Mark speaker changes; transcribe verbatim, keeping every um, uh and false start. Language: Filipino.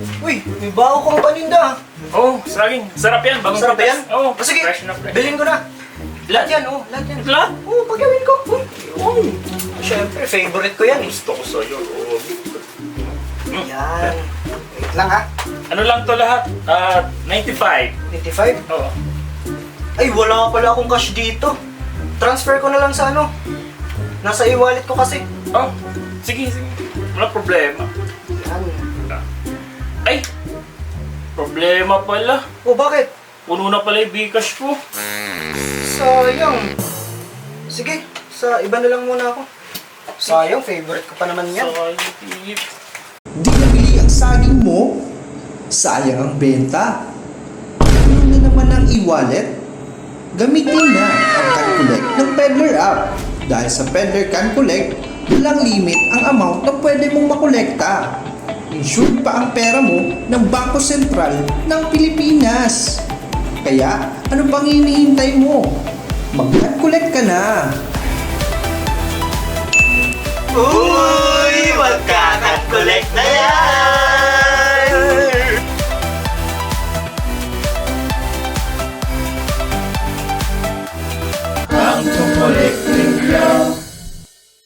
Speaker 1: Uy, may bago kang paninda.
Speaker 2: Oo, oh, saging. Sarap yan. Bagong
Speaker 1: Masarap
Speaker 2: pitas.
Speaker 1: yan?
Speaker 2: Oo,
Speaker 1: Oh, sige,
Speaker 2: fresh na fresh.
Speaker 1: bilhin ko na. Lahat
Speaker 2: Lahat
Speaker 1: yan, oh, lahat yan.
Speaker 2: Lahat?
Speaker 1: Oo, pagawin ko. Uy, oh. Siyempre, favorite ko yan eh.
Speaker 2: Gusto ko sa'yo. Oo.
Speaker 1: Yan. Wait lang ha.
Speaker 2: Ano lang to lahat? Ah, ninety-five.
Speaker 1: eighty-five?
Speaker 2: Oo.
Speaker 1: Ay, wala pala akong cash dito. Transfer ko na lang sa ano. Nasa e-wallet ko kasi.
Speaker 2: Oh, sige, sige. Wala problema.
Speaker 1: Yan.
Speaker 2: Ay! Problema pala.
Speaker 1: Oh, bakit?
Speaker 2: Puno na pala yung Bcash ko.
Speaker 1: Sayang. Sige, sa iba na lang muna ako. Sayang, favorite ko pa naman yan.
Speaker 2: Sayang, tip.
Speaker 3: Di nabili ang saging mo, sayang ang benta. Ano na naman ang e-wallet? Gamitin na ang Can Collect ng Peddler app. Dahil sa Peddler Can Collect, walang limit ang amount na pwede mong makolekta. Insured pa ang pera mo ng Bangko Sentral ng Pilipinas. Kaya, ano pang hinihintay mo? Mag-Can Collect ka na!
Speaker 1: Uy, magkakat-collect na yan!